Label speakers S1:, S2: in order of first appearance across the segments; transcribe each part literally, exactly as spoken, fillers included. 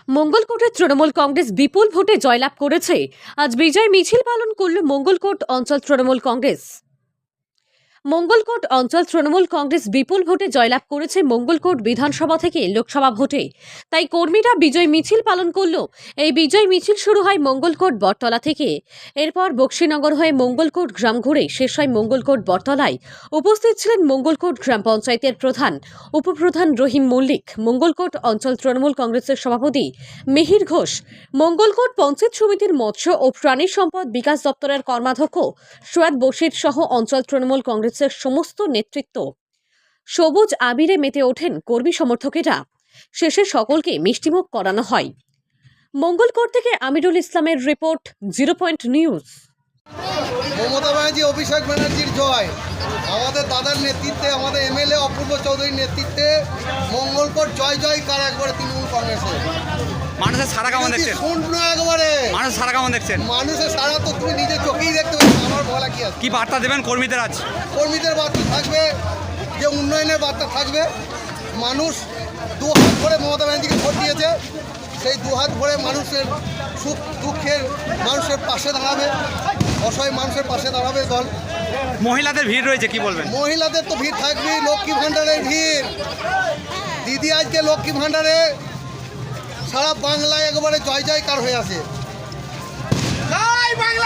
S1: মঙ্গলকোটে তৃণমূল কংগ্রেস বিপুল ভোটে জয়লাভ করেছে। আজ বিজয় মিছিল পালন করল মঙ্গলকোট অঞ্চল তৃণমূল কংগ্রেস। মঙ্গলকোট অঞ্চল তৃণমূল কংগ্রেস বিপুল ভোটে জয়লাভ করেছে মঙ্গলকোট বিধানসভা থেকে লোকসভা ভোটে। তাই কর্মীরা বিজয় মিছিল পালন করল। এই বিজয় মিছিল শুরু হয় মঙ্গলকোট বটতলা থেকে। এরপর বক্সিনগর হয়ে মঙ্গলকোট গ্রাম ঘুরে শেষ হয় মঙ্গলকোট বটতলায়। উপস্থিত ছিলেন মঙ্গলকোট গ্রাম পঞ্চায়েতের প্রধান, উপপ্রধান রহিম মল্লিক, মঙ্গলকোট অঞ্চল তৃণমূল কংগ্রেসের সভাপতি মিহির ঘোষ, মঙ্গলকোট পঞ্চায়েত সমিতির মৎস্য ও প্রাণী সম্পদ বিকাশ দপ্তরের কর্মাধ্যক্ষ সৈয়দ বশির সহ অঞ্চল তৃণমূল কংগ্রেসের সমস্ত নেতৃত্ব। সবুজ আবিরে মেতে ওঠেন কর্মী সমর্থকেরা। শেষে সকলকে মিষ্টিমুখ করানো হয়। মঙ্গলকোট থেকে আমিরুল ইসলামের report, zero point news.
S2: Mamata Banerjee, Abhishek ব্যানার্জির জয়। আমাদের দাদার নেতৃত্বে, আমাদের এমএলএ অপূর্ব চৌধুরীর নেতৃত্বে মঙ্গলকোট জয় জয় কার একবারে তৃণমূল কংগ্রেসের।
S3: মানুষের সারা কেমন দেখছেন?
S2: শূন্য একবারে
S3: মানুষের সারা কেমন দেখছেন?
S2: মানুষের সারা তো তুমি নিজের চোখেই দেখতে পাচ্ছ। আমার বলা কি আছে?
S3: কি বার্তা দেবেন কর্মীদের আজ?
S2: কর্মীদের বার্তা থাকবে যে উন্নয়নের বার্তা থাকবে। মানুষ দু হাত ভরে মমতা ব্যানার্জিকে ভোট দিয়েছে, সেই দু হাত ভরে মানুষের সুখ দুঃখের মানুষের পাশে দাঁড়াবে, অসহায় মানুষের পাশে দাঁড়াবে দল।
S3: মহিলাদের ভিড় রয়েছে, কি বলবেন?
S2: মহিলাদের তো ভিড় থাকবেই, লক্ষ্মী ভাণ্ডারের ভিড়। দিদি আজকে লক্ষ্মী ভাণ্ডারে সারা বাংলায় একেবারে জয় জয়কার হয়ে আছে। জয় বাংলা।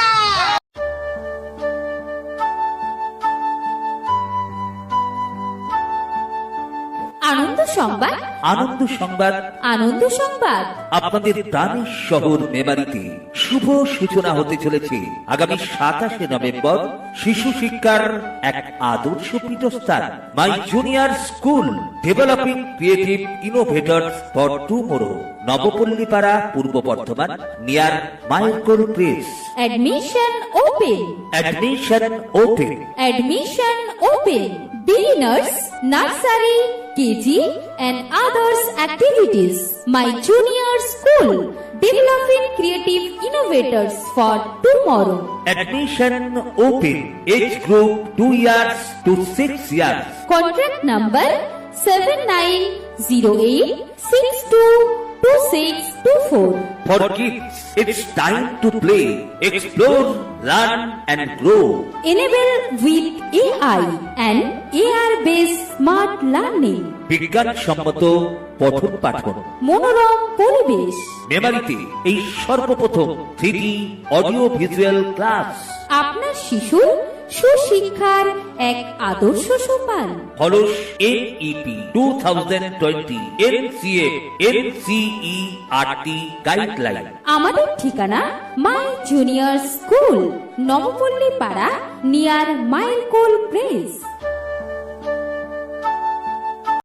S4: আনন্দ সংবাদ,
S5: আনন্দ সংবাদ,
S4: আনন্দ সংবাদ।
S5: আপনাদের প্রাণের শহর মেমারিতে শুভ সূচনা হতে চলেছে আগামী সাতাশে নভেম্বর শিশু শিক্ষার এক আদর্শ পীঠস্থান, my junior school developing creative innovators for tomorrow, Nabapallipara, Purba Bardhaman, near মাইলকোল press.
S4: Admission open.
S5: Admission open.
S4: Admission open. Beginners, nursery, K G and others activities. My junior school, developing creative innovators for tomorrow.
S5: Admission open. Age group two years to six years.
S4: Contract number seven nine zero eight six two two six two four.
S5: For kids, it's time to play, explore, learn and grow.
S4: Enable with A I and A R-based smart learning.
S5: বিজ্ঞান সম্মত পঠন পাঠন।
S4: মনোরম পরিবেশ।
S5: মেমারিতে এই সর্বপ্রথম three D audio visual class.
S4: আপনার শিশু সুশিক্ষার এক আদর্শ সোপান।
S5: Follows N E P two thousand twenty N C A N C E R T guideline.
S4: আমাদের ঠিকানা মাই জুনিয়র স্কুল, নবপল্লী পাড়া, নিয়ার মাইলকোল প্রেস।